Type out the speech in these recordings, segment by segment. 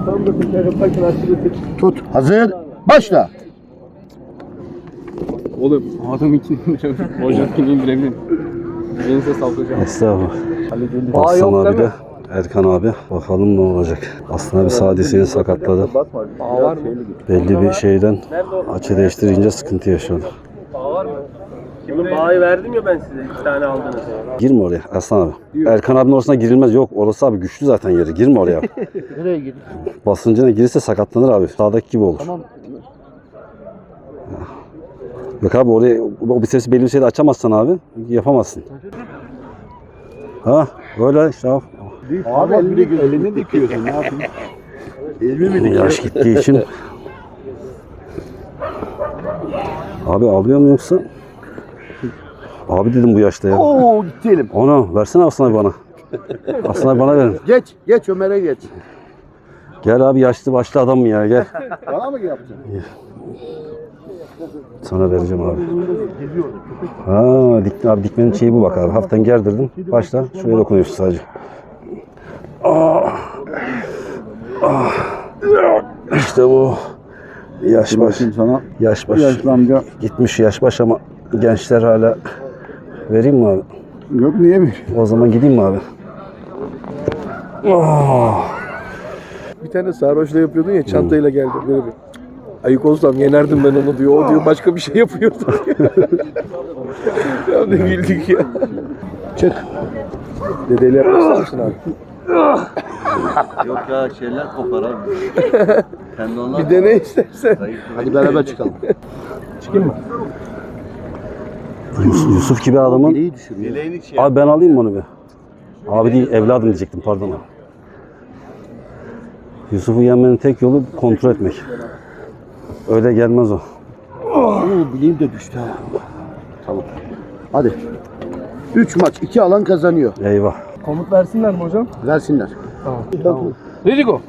Tut. Hazır. Başla. Oğlum adam ikini indirebilir. Hocamkini indirebilir. Elinize sağlık hocam. Estağfurullah. Aslan abi de Erkan abi. Bakalım ne olacak. Aslan abi sadisini sakatladı. Belli bir şeyden açı değiştirince sıkıntı yaşadı. Şimdi bağı verdim ya ben size. 2 tane aldınız. Girme oraya Aslan abi. Erkan abinin orasına girilmez. Yok orası abi güçlü zaten yeri. Girme oraya. Nereye gidiyor? Basıncına girirse sakatlanır abi. Sağdaki gibi olur. Tamam. Yok abi oraya o bisepsi belli bir şeyde açamazsan abi yapamazsın. Ha böyle işte abi. Abi elini dikiyorsun. Ne yapayım? Elimi mi Yaş gittiği için. Abi alıyor mu yoksa? Abi dedim bu yaşta ya. Oo gitti elim. Ona versene Aslan abi bana. Aslan abi bana verin. Geç Ömer'e geç. Gel abi yaşlı başlı adam mı ya gel. Bana mı yapacaksın? Sana vereceğim abi. Ha abi dikmenin şeyi bu bak abi. Hafiften gerdirdim. Başla şuraya dokunuyorsun sadece. İşte bu. Yaş baş. Sana. Yaş baş. Yaşlı amca. Gitmiş yaş baş ama gençler hala. Vereyim mi abi? Yok niye mi? O zaman gideyim mi abi? Bir tane sarhoşla yapıyordun ya çantayla geldi böyle bir. Ayık olsam yenerdim ben onu diyor. O diyor başka bir şey yapıyordu. Ya ne güldük ya. Çık. Dedeyle yapmak ister misin abi? Yok ya şeyler kopar abi. Kendi onlar Bir dene istersen. Hadi beraber çıkalım. Yusuf gibi adamın. Bileği düşürüyor. bileğini şey Abi ben alayım mı onu bir? Abi değil evladım diyecektim pardon abi. Yusuf'u yenmenin tek yolu kontrol etmek. Öyle gelmez o. Oo, bileğim de düştü ha. Tamam. Hadi. 3 maç 2 alan kazanıyor. Eyvah. Komut versinler mi hocam? Versinler. Tamam. Ready go.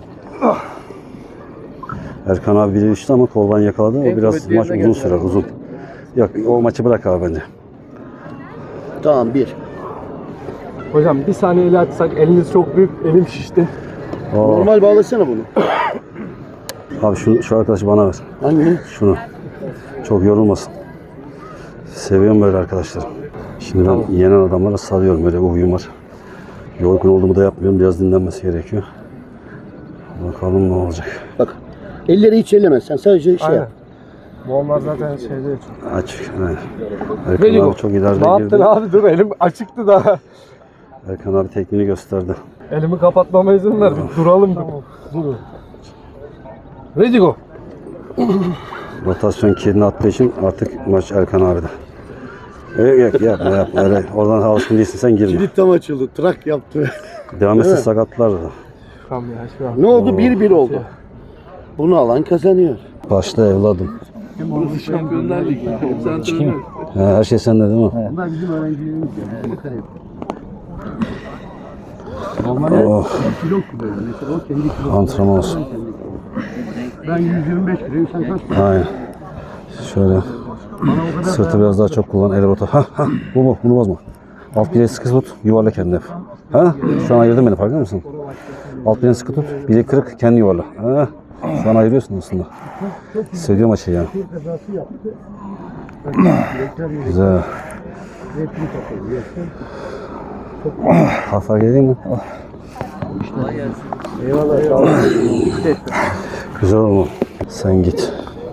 Erkan abi biri düştü ama koldan yakaladı. O En biraz kuvvetli maç yerine uzun geldi. sürer uzun. Yok o maçı bırak abi bence. Tamam 1. Hocam bir saniye eli açsak eliniz çok büyük. Elim şişti. Normal bağlasana bunu. Abi şu arkadaşı bana ver. Hangi? Şunu. Çok yorulmasın. Seviyorum böyle arkadaşlar. Şimdi ben yenen adamlara salıyorum. Böyle bir huyum var. Yorgun olduğumu da yapmıyorum. Biraz dinlenmesi gerekiyor. Bakalım ne olacak. Bak. Elleri hiç elleme. Sen sadece şey yap. Bu onlar zaten şeyde çok. Aç. Evet. Erkan abi çok ileride Ne yaptın girdi. abi dur elim açıktı daha. Erkan abi tekniğini gösterdi. Elimi kapatmama izin ver. Bir duralım. Dur. Ready go. Rotasyon kilidini attığı için artık maç Erkan abi'de. Yok yapma. Öyle, oradan alışkın değilsin sen girme. Kilit tam açıldı. Trak yaptı. Devam etse sakatlar da. Tamam ya şu an. Ne oldu? 1-1 oldu. Bunu alan kazanıyor. Başla evladım. Şampiyonlar Ligi. Sen çıkayım. Her şey sende değil mi? Bunlar bizim öğrencilerimiz Oh, kilo böyle. Mesela o kendi kilo. antrenman olsun. Ben 125 kiloyum. Sen kaç? Aynen. Şöyle. Sırtı biraz daha çok kullan. El rota. Bu bunu bozma. Alt bileği sıkı tut. Yuvarla kendini hep. Şu an ayırdın beni farkında mısın? Alt bileğini sıkı tut. Bileği kırık kendi yuvarla. Şu an ayırıyorsun aslında. Hissediyorum açıyı yani. Güzel. Hafif geleyim mi? Güzel oldu. Sen git.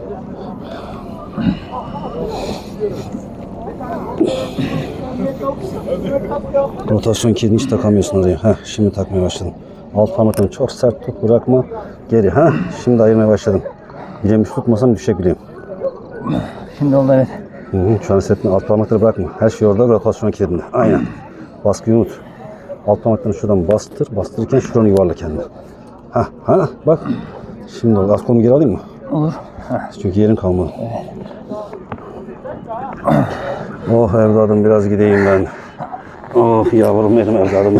Rotasyon kilidini hiç takamıyorsun oraya. Şimdi takmaya başladım. Alt parmaklarını çok sert tut, bırakma. Geri. Şimdi ayırmaya başladım. Bileğimi tutmasam düşecek bileğim. Şimdi oldu evet. Şu an hissetme. Alt parmakları bırakma. Her şey orada rotasyon kilidinde. Aynen. Baskıyı unut. Alt parmaklarını şuradan bastır. Bastırırken şuranı yuvarla kendine. Bak. Şimdi oldu. Az kolumu geri alayım mı? Olur. Çünkü yerim kalmadı. Oh evladım biraz gideyim ben. Oh yavrum benim evladım.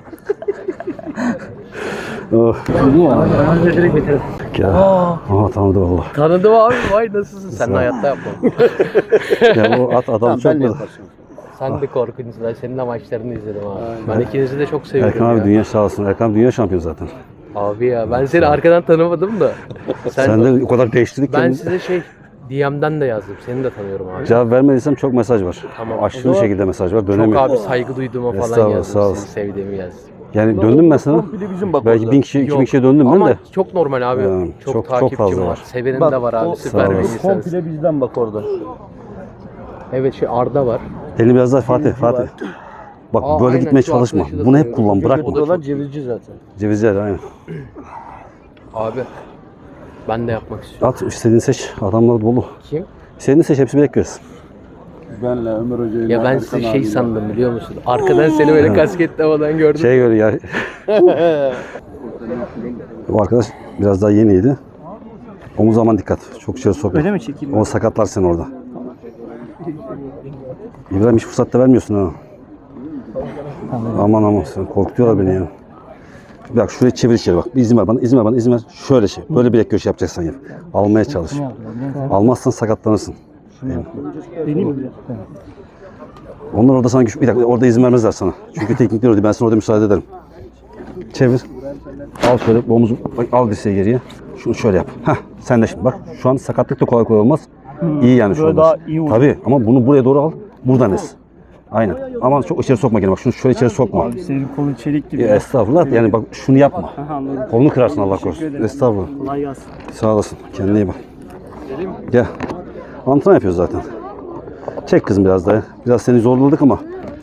Oh. Direkt bitirelim. Ya. Tanıdı valla. Tanıdım abi. Vay nasılsın? Sen de hayatta yapma. Ya bu adam Tamam, çok ben de böyle. yaparsın. Sen de korkunç. Ben senin de maçlarını izledim abi. Ben ikinizi de çok seviyorum Erkan abi ya. dünya sağ olsun. Erkan abi dünya şampiyonu zaten. Abi ya ben seni arkadan tanımadım da. Sen de o kadar değiştirdik Ben kendini. size DM'den de yazdım. Seni de tanıyorum abi. Cevap vermediysem çok mesaj var. Tamam. Aşırı şekilde mesaj var. Çok Dönemiyorum. abi saygı duyduğuma falan Estağfurullah, yazdım. sağ Seni olasın. sevdiğimi yazdım. Yani döndüm ben sana. Komple bizim bak Belki orada. 1000 kişi, 2000 Yok. kişiye döndüm ben Ama de. çok normal abi. Yani çok çok takipçim fazla var. var. Sevenin Bak, de var abi. o- Süper bir Sağ olasın. insansın. Komple bizden bak orada. Evet Arda var. Elini biraz daha Fatih. Bak Aa, böyle aynen, gitmeye şu çalışma. arkadaşı da Bunu hep tanıyorum. kullan. O da Bırakma. çok Buralar cevizci zaten. Cevizler aynen. Abi ben de yapmak istiyorum. At istediğini seç. Adamlar dolu. Kim? İstediğini seç. Hepsi bekleriz. Benle Ömer Hoca'yı. Ya ben sizi sandım biliyor musun? Arkadan seni böyle kasket havadan gördüm. Şey göre ya. Bu arkadaş biraz daha yeniydi. Omuz zaman dikkat. Çok içeri sokma. Öyle mi çekeyim? O sakatlar seni orada. İbrahim hiç fırsat da vermiyorsun ha. Aman sen korkutuyorlar beni ya. Bak şuraya çevir içeri bak. Bir izin ver bana, izin ver. Şöyle şey. Böyle bilek köşe yapacaksan yap. Almaya çalış. Almazsan sakatlanırsın. Deneyim mi? Onlar orada sana güç... Bir dakika orada izin vermezler sana. Çünkü teknikler orada. Ben sana orada müsaade ederim. Çevir. Al şöyle omuzu. Bak al dirseği geriye. Şunu şöyle yap. Heh sen de şimdi bak. Şu an sakatlık da kolay kolay olmaz. İyi yani şu Böyle anda. daha iyi olur. Tabii ama bunu buraya doğru al. Buradan es. Aynen. Ama çok içeri sokma gene bak. Şunu şöyle içeri sokma. Abi senin kolun çelik gibi. Estağfurullah. Yani bak şunu yapma. Aha, anladım. Kolunu kırarsın Allah Teşekkür korusun. ederim. Estağfurullah. Kolay gelsin. Sağ olasın. Kendine iyi bak. Gel. Antrenman yapıyoruz zaten. Çek kızım biraz daha. Biraz seni zorladık ama.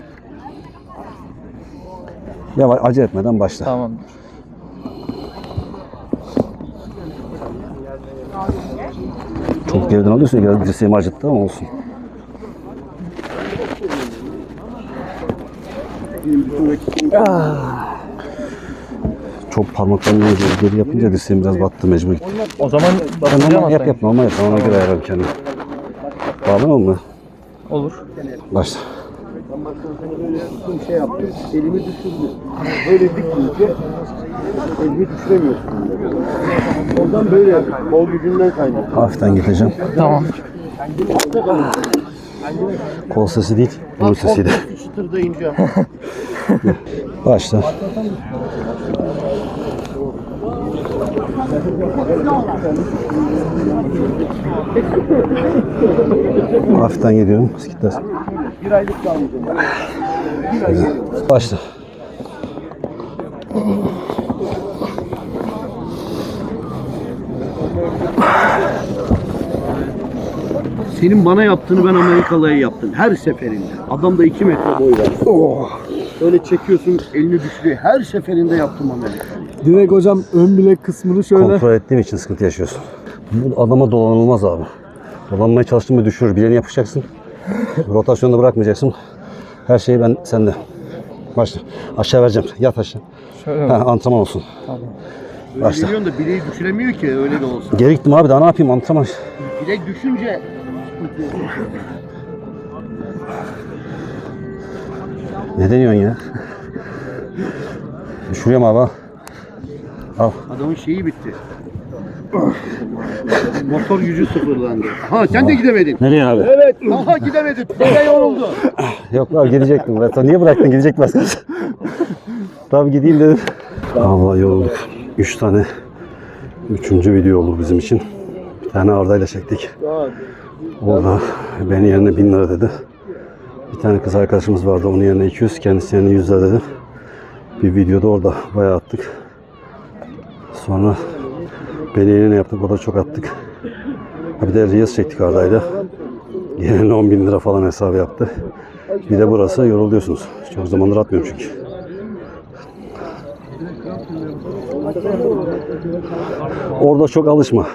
Yavaş acele etmeden başla. Tamamdır. Çok geriden alıyorsun. Biraz dirseğimi acıttı ama olsun. Çok parmaklarını geri yapınca dirseğim biraz battı, mecbur gitti. O zaman Sen bakacağım normal yap normal yap. Ona göre ayarlarım kendimi. Bağlamam mı? Olur. Başla. Şey yaptım. Elimi düşürdü. Böyle dikince elimi düşüremiyorsun. Oradan böyle yapıyorum. Kol gücünden kaynaklı. Hafiften gideceğim. Tamam. Kol sesi değil, bunun sesiydi. Çıtırda ineceğim. Başla. Hafiften gidiyorum. Skitler. Bir aylık kalmayacağım. Başla. Senin bana yaptığını ben Amerikalı'ya yaptım. Her seferinde. Adamda 2 metre boy var. Öyle çekiyorsun elini düşürüyor. Her seferinde yaptım Amerikalı'yı. Direkt hocam ön bilek kısmını şöyle. Kontrol ettiğim için sıkıntı yaşıyorsun. Bu adama dolanılmaz abi. Dolanmaya çalıştın mı düşürür. Bileğini yapışacaksın. Rotasyonda bırakmayacaksın. Her şey ben sende. Başla. Aşağı vereceğim. Yat aşağı. Şöyle Ha, antrenman olsun. Tamam. Başla. Biliyorsun da bileği düşüremiyor ki öyle de olsa. Geri gittim abi daha ne yapayım antrenman. Bilek düşünce Ne deniyorsun ya? Düşürüyorum abi. Al. adamın şeyi bitti. Motor gücü sıfırlandı. Ha sen de gidemedin. Nereye abi? Evet. Aha gidemedim. Dede yoruldu. Yok abi gidecektim. Ben niye bıraktın? Gidecek başkası. Tabii gideyim dedim. Allah yorulduk. 3 tane. 3. video oldu bizim için. Bir tane Arda'yla çektik. O da benim yerine 1000 lira dedi. Bir tane kız arkadaşımız vardı. Onun yerine 200. Kendisi yerine 100 lira dedi. Bir videoda orada bayağı attık. Sonra beni yerine yaptık. Orada çok attık. Bir de Reels çektik Arda'yla. Yerine 10.000 lira falan hesabı yaptı. Bir de burası yoruluyorsunuz. Çok zamandır atmıyorum çünkü. Orada çok alışma.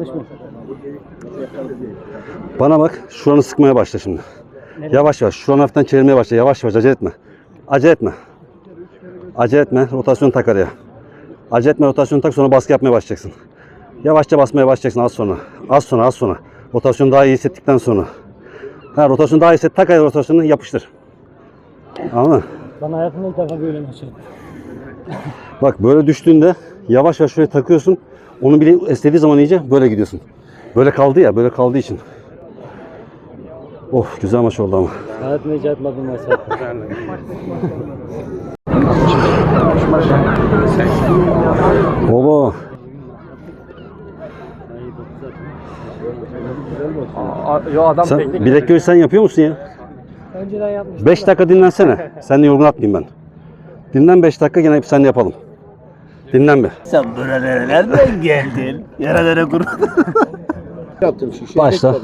Bana bak, şuranı sıkmaya başla şimdi. Yavaş yavaş, şuranı hafiften çevirmeye başla. Yavaş yavaş, acele etme. Acele etme. Acele etme, rotasyon tak araya. Acele etme, rotasyon tak, sonra baskı yapmaya başlayacaksın. Yavaşça basmaya başlayacaksın az sonra. Az sonra. Rotasyonu daha iyi hissettikten sonra. Ha, rotasyonu daha iyi hisset, tak araya rotasyonu yapıştır. Anladın mı? Ben hayatımda ilk defa böyle maç yaptım. Bak böyle düştüğünde yavaş yavaş şuraya takıyorsun. Onu bile istediği zaman iyice böyle gidiyorsun. Böyle kaldı ya, böyle kaldığı için. Of güzel maç oldu ama. Hayatımda hiç yapmadığım maç yaptım. Baba. Yo adam Sen teknik. bilek göğüs sen yapıyor musun ya? Önceden yapmıştım. 5 dakika dinlensene. Sen de yorgun atmayayım ben. Dinlen 5 dakika gene hep sen yapalım. Dinlen bir. Sen buralara nereden geldin? Yerelere kurun. Yaptım şişe. Başla.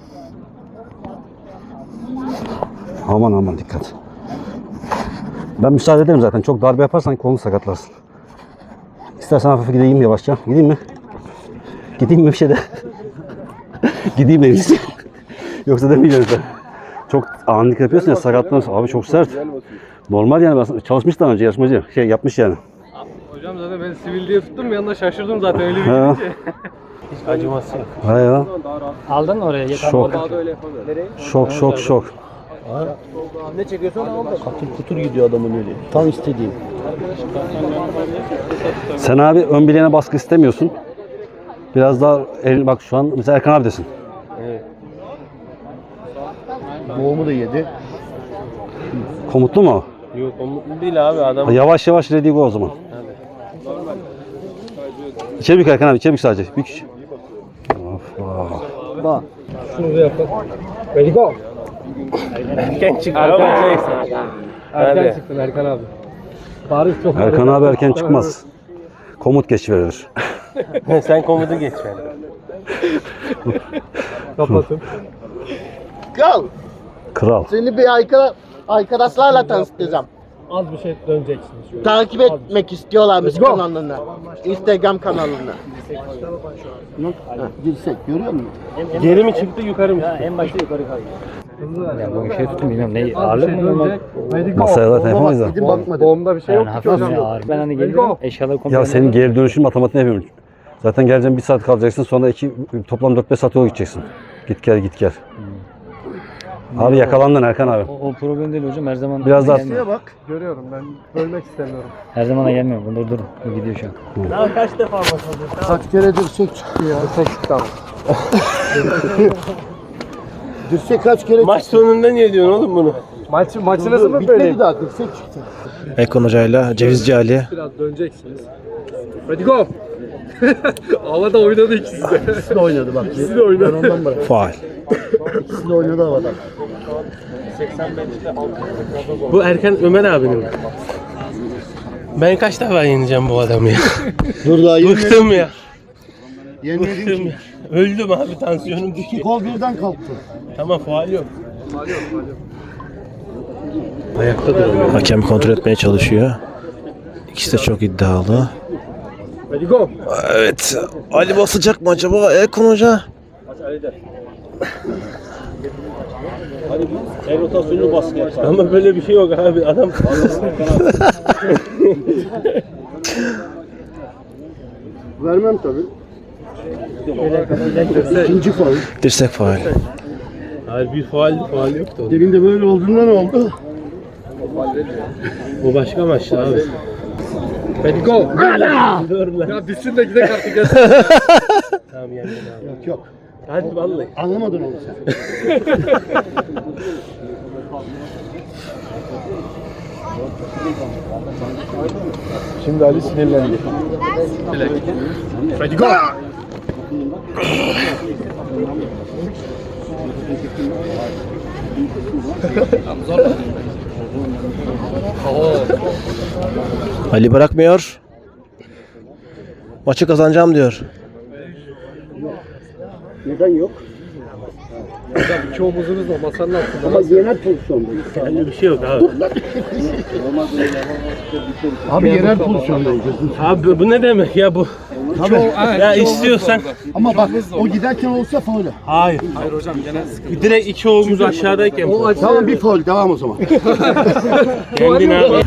Aman dikkat. Ben müsaade ederim zaten. Çok darbe yaparsan kolunu sakatlarsın. İstersen hafif gideyim yavaşça. Gideyim mi? Gideyim mi bir şey de? Gideyim mi? Yoksa demeyeceğim sen. Çok anlık yapıyorsun ya sakatlanırsın. Abi çok sert. Normal yani. Çalışmış daha önce yarışmacı. Yapmış yani. Hocam zaten ben sivil diye tuttum bir anda şaşırdım zaten öyle bir Ha. gidince. Hiç acıması yok. Ha ya. Aldın mı oraya? Yeter. Şok. Daha da öyle yapamıyorum. Şok. Ne çekiyorsan al da. Katır kutur gidiyor adamın öyle. Tam istediğim. Sen abi ön bileğine baskı istemiyorsun. Biraz daha bak şu an mesela Erkan abidesin. Boğumu da yedi. Komutlu mu? Yok o mutlu değil abi adam. Yavaş ready go o zaman. İçeri bük Erkan abi, içeri bük sadece. Bük. Bak. Ready go. Erken çıktı ama neyse. Erken çıktın Erkan abi. Paris çok Erkan abi erken çıkmaz. Komut geç verilir. Sen komutu geç yani. kapatın. Kral, Kral. seni bir arkadaşlarla tanıştıracağım. Az bir şey döneceksiniz. Şöyle. Takip etmek istiyorlarmış kanalını. Instagram kanalını. Dirsek görüyor musun? Geri mi çıktı yukarı mı? En başta yukarı kalkıyor. Ya bu şey tutun bilmiyorum ne ağırlık mı normal? Masaya zaten yapamayız da. Gidin bakmadım. Boğumda bir şey Yani yok ki hafif hocam. bir ağır. Ben hani geliyorum eşyaları komple. Ya senin geri dönüşün matematiğini yapıyorum. Zaten geleceğim 1 saat kalacaksın sonra toplam 4-5 saat yol gideceksin. Git gel. Abi yakalandın Erkan abi. O problem değil hocam her zaman. Biraz daha gelmiyor. Bak. Görüyorum ben bölmek istemiyorum. Her zaman da gelmiyor. Dur. Bu gidiyor şu an. Daha kaç defa başladı? Kaç kere dirsek çıktı ya. Tamam. Dirsek kaç kere Maç sonunda niye diyorsun oğlum bunu? Maçı nasıl mı Bitmedi böyle? daha dirsek çıktı. Ekon Hoca'yla Cevizci Ali. Biraz döneceksiniz. Ready go. Havada oynadı ikisi de. İkisi de oynadı bak. İkisi de oynadı. Ben ondan bırak. Faal. İkisi de oynadı havada. Bu Erkan Ömer abinin mi? Ben kaç defa yeneceğim bu adamı ya? Dur daha Bıktım ya. Yenmedin Bıktım ki. ya. Öldüm abi tansiyonum düşüyor. Kol birden kalktı. Tamam faal yok. Hakem kontrol etmeye çalışıyor. İkisi de çok iddialı. Ready go. Evet. Ali basacak mı acaba Ekon Hoca? El rotasyonunu baskı yapar. Ama böyle bir şey yok abi adam. Vermem tabii. İkinci faul. Dirsek faal. Hayır bir faal yoktu. Demin de böyle olduğunda ne oldu? Bu başka maçtı abi. Ready go. Dur lan. Ya bitsin de gidelim artık ya. Tamam yendin abi. Yok. Hadi vallahi. Anlamadın onu sen. Şimdi Ali sinirlendi. Ready go. Ali bırakmıyor. Maçı kazanacağım diyor. Neden yok? İki omuzunuz da masanın altında. Ama yerel pozisyondayız. Öyle bir şey yok abi. Abi yerel pozisyondayız. Abi bu ne demek ya bu? Ya istiyorsan. Ama bak o giderken olsa faul. Hayır. Hayır hocam gene direkt iki omuz aşağıdayken. Tamam bir faul devam o zaman. Kendin abi.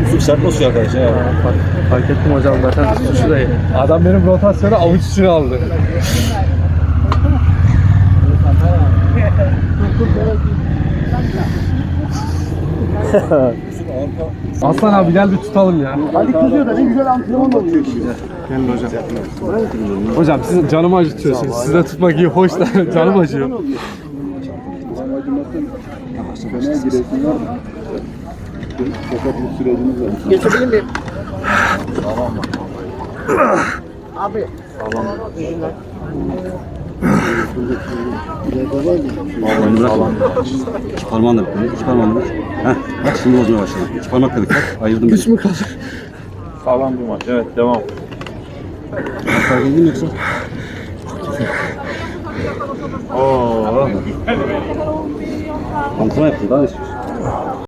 Fark ettim hocam zaten suçu da adam benim rotasyonu avuç içine aldı. Aslan abi gel bir tutalım ya. Ali kızıyor da ne güzel antrenman oluyor şimdi. Gelin hocam. Hocam siz canımı acıtıyorsunuz. Size tutmak iyi hoş da canım acıyor. Sakatlık süreciniz var. Geçebilir miyim? Abi. Vallahi bırak. İki parmağınla bırak. İki parmağınla bırak. Heh. Bak şimdi bozmaya başladı. İki parmak dedik bak. Ayırdım ben. Güç mü kaldı? Sağlam bir maç. Evet devam. Fark edin mi yoksa? Antrenman yaptın daha ne istiyorsun?